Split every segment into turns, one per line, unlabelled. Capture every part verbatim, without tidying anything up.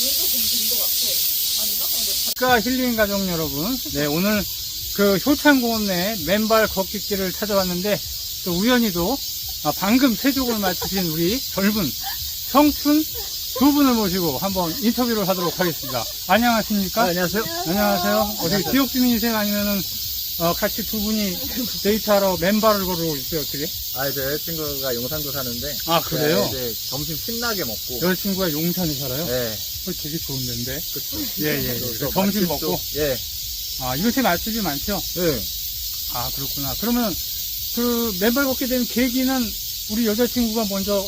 국가 힐링 가족 여러분, 네 오늘 그 효창공원 내 맨발 걷기길을 찾아왔는데 또 우연히도 아, 방금 세족을 마치신 우리 젊은 청춘 두 분을 모시고 한번 인터뷰를 하도록 하겠습니다. 안녕하십니까?
아, 안녕하세요.
안녕하세요. 어떻게 지역 주민이세요? 아니면은 어, 같이 두 분이 데이트하러 맨발을 걸어오고 있어요? 어떻게?
아, 제 여자친구가 용산구 사는데.
아, 그래요?
네, 이제 점심 신나게 먹고.
여자친구가 용산에 살아요?
네.
그거 되게 좋은 데인데.
그쵸.
예, 예.
또,
예.
또
점심
맛집도-
먹고.
예.
아, 이곳에 맛집이 많죠?
네.
아, 그렇구나. 그러면 그 맨발 걷게 된 계기는 우리 여자친구가 먼저,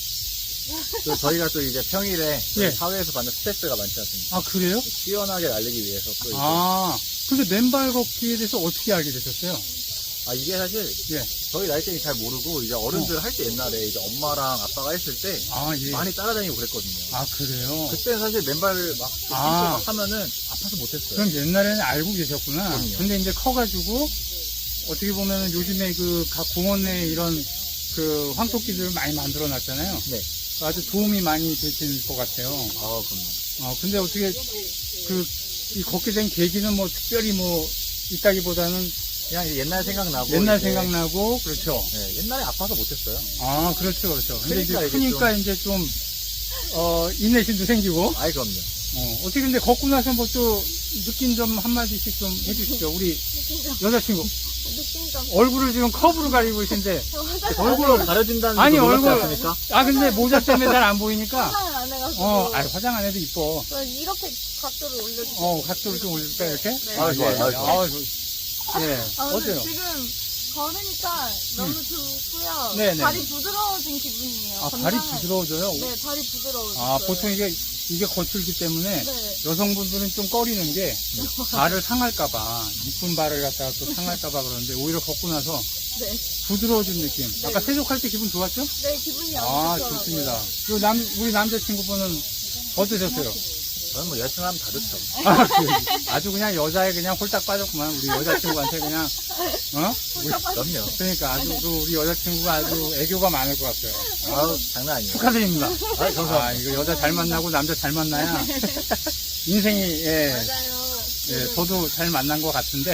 또 저희가 또 이제 평일에
예.
사회에서 받는 스트레스가 많지 않습니까?
아, 그래요?
시원하게 날리기 위해서 또 이제.
아, 근데 맨발 걷기에 대해서 어떻게 알게 되셨어요?
아, 이게 사실
예.
저희 나이 때는 잘 모르고 이제 어른들 할 때 옛날에 이제 엄마랑 아빠가 했을 때
아, 예.
많이 따라다니고 그랬거든요.
아, 그래요?
그때는 사실 맨발 막, 신고
아.
막 하면은 아파서 못했어요.
그럼 옛날에는 알고 계셨구나.
그럼요.
근데 이제 커가지고, 어떻게 보면 요즘에 그 각 공원 내에 이런 그 황토끼들을 많이 만들어 놨잖아요.
네.
아주 도움이 많이 되실 것 같아요.
아, 그럼요.
어, 근데 어떻게, 그, 이 걷게 된 계기는 뭐 특별히 뭐 있다기보다는
그냥 옛날 생각나고.
옛날
이제-
생각나고, 그렇죠.
네, 옛날에 아파서 못했어요.
아, 그렇죠, 그렇죠. 근데
크니까
이제
이게
크니까 이제 좀, 어, 인내심도 생기고,
아이, 그럼요.
어, 어떻게 근데 걷고 나서 뭐 또 느낀 점 한마디씩 좀 해주시죠. 우리 여자친구.
느낀 점.
얼굴을 지금 컵으로 가리고 계신데,
저 화장
얼굴로 가려진다는
아니,
거 놀랍지
얼굴-
않습니까?
아, 근데 모자 때문에 잘 안 보이니까,
화장을 안 해가지고.
어, 아 화장 안 해도 이뻐.
저 이렇게 각도를 올려주세요.
어, 각도를 좀 올릴까, 이렇게?
네.
아, 좋아요.
예.
아, 좋아요.
아, 저- 예.
아, 근데
어때요?
지금 걸으니까 너무 좋고요.
네네.
발이 부드러워진 기분이에요.
아, 발이
건강해.
부드러워져요?
네, 발이 부드러워졌어요.
아, 보통 이게, 이게 거칠기 때문에
네.
여성분들은 좀 꺼리는 게 발을 상할까봐, 이쁜 발을 갖다가 또 상할까봐 그러는데 오히려 걷고 나서
네.
부드러워진 느낌. 아까 세족할 때 기분 좋았죠?
네, 기분이
아,
안 좋더라고요.
좋습니다. 그리고 남, 우리 남자친구분은 어떠셨어요?
저는 뭐 열심히 하면 다 좋죠.
아, 그, 아주 그냥 여자에 그냥 홀딱 빠졌구만. 우리 여자친구한테 그냥, 어? 우리-
그럼요.
그러니까 아주 그 우리 여자친구가 아주 애교가 많을 것 같아요.
아우, 장난 아니에요.
축하드립니다.
아, 감사합니다.
아, 이거 여자 잘 만나고 남자 잘 만나야 인생이, 예,
맞아요.
예, 저도 잘 만난 것 같은데.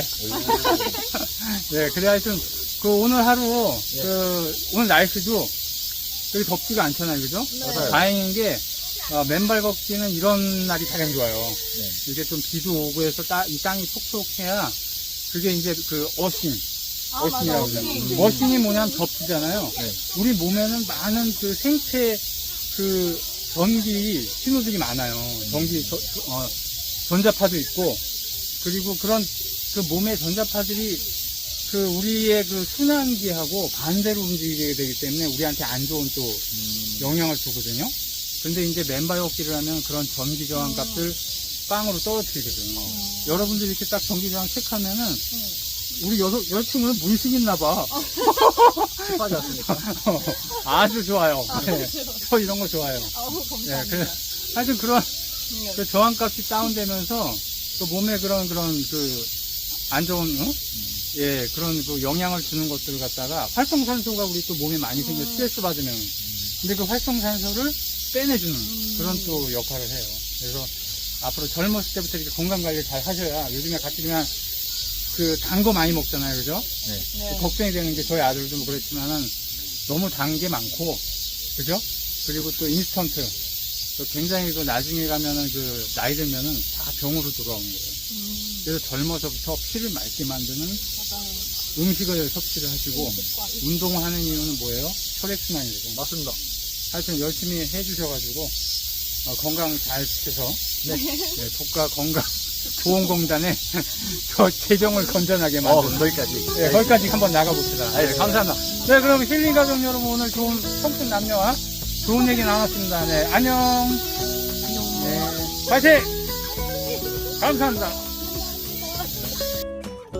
예, 그래 하여튼, 그 오늘 하루,
예.
그, 오늘 날씨도 되게 덥지가 않잖아요. 그죠?
네.
맞아요.
다행인 게, 어, 맨발 걷기는 이런 날이 가장 좋아요.
네.
이게 좀 비도 오고 해서 따, 이 땅이 촉촉해야 그게 이제 그 어싱,
아,
어싱이라고
맞아.
그러잖아요.
어싱.
어싱이 뭐냐면 접지잖아요.
네.
우리 몸에는 많은 그 생체 그 전기 신호들이 많아요. 전기 저- 어, 전자파도 있고 그리고 그런 그 몸의 전자파들이 그 우리의 그 순환기하고 반대로 움직이게 되기 때문에 우리한테 안 좋은 또
음,
영향을 주거든요. 근데 이제 맨발 걷기를 하면 그런 전기 저항 값을 빵으로 떨어뜨리거든요. 여러분들 이렇게 딱 전기 저항 체크하면은 우리 여, 여자친구는 문신 있나 봐.
습하지 않습니까?
아주 좋아요.
아,
네. 저 이런 거 좋아요.
아우,
예,
감사합니다.
그래. 하여튼 그런
네.
그 저항 값이 다운되면서 또 몸에 그런 그런 그 안 좋은 응? 예 그런 그 영향을 주는 것들을 갖다가 활성산소가 우리 또 몸에 많이 생겨 스트레스 받으면 근데 그 활성산소를 빼내주는 그런 또 역할을 해요. 그래서 앞으로 젊었을 때부터 이렇게 건강 관리 잘 하셔야 요즘에 같이 그냥 그 단 거 많이 먹잖아요, 그죠?
네.
걱정이 되는 게 저희 아들도 뭐 그렇지만은 너무 단 게 많고, 그죠? 그리고 또 인스턴트. 또 굉장히 그 나중에 가면은 그 나이 들면은 다 병으로 돌아오는 거예요.
음,
그래서 젊어서부터 피를 맑게 만드는
맞아요.
음식을 섭취를 하시고 운동을 하는 이유는 뭐예요? 혈액순환이거든요.
맞습니다.
하여튼 열심히 해주셔가지고 어, 건강 잘 지켜서
네.
네, 국가 건강 보험공단에 저 재정을 건전하게
어,
만드는
거기까지.
네, 거기까지 한번 나가봅시다. 네,
알겠습니다.
감사합니다. 네, 그럼 힐링 가족 여러분 오늘 좋은 청춘 남녀와 좋은 얘기 나눴습니다. 네, 안녕. 네, 파이팅! 감사합니다.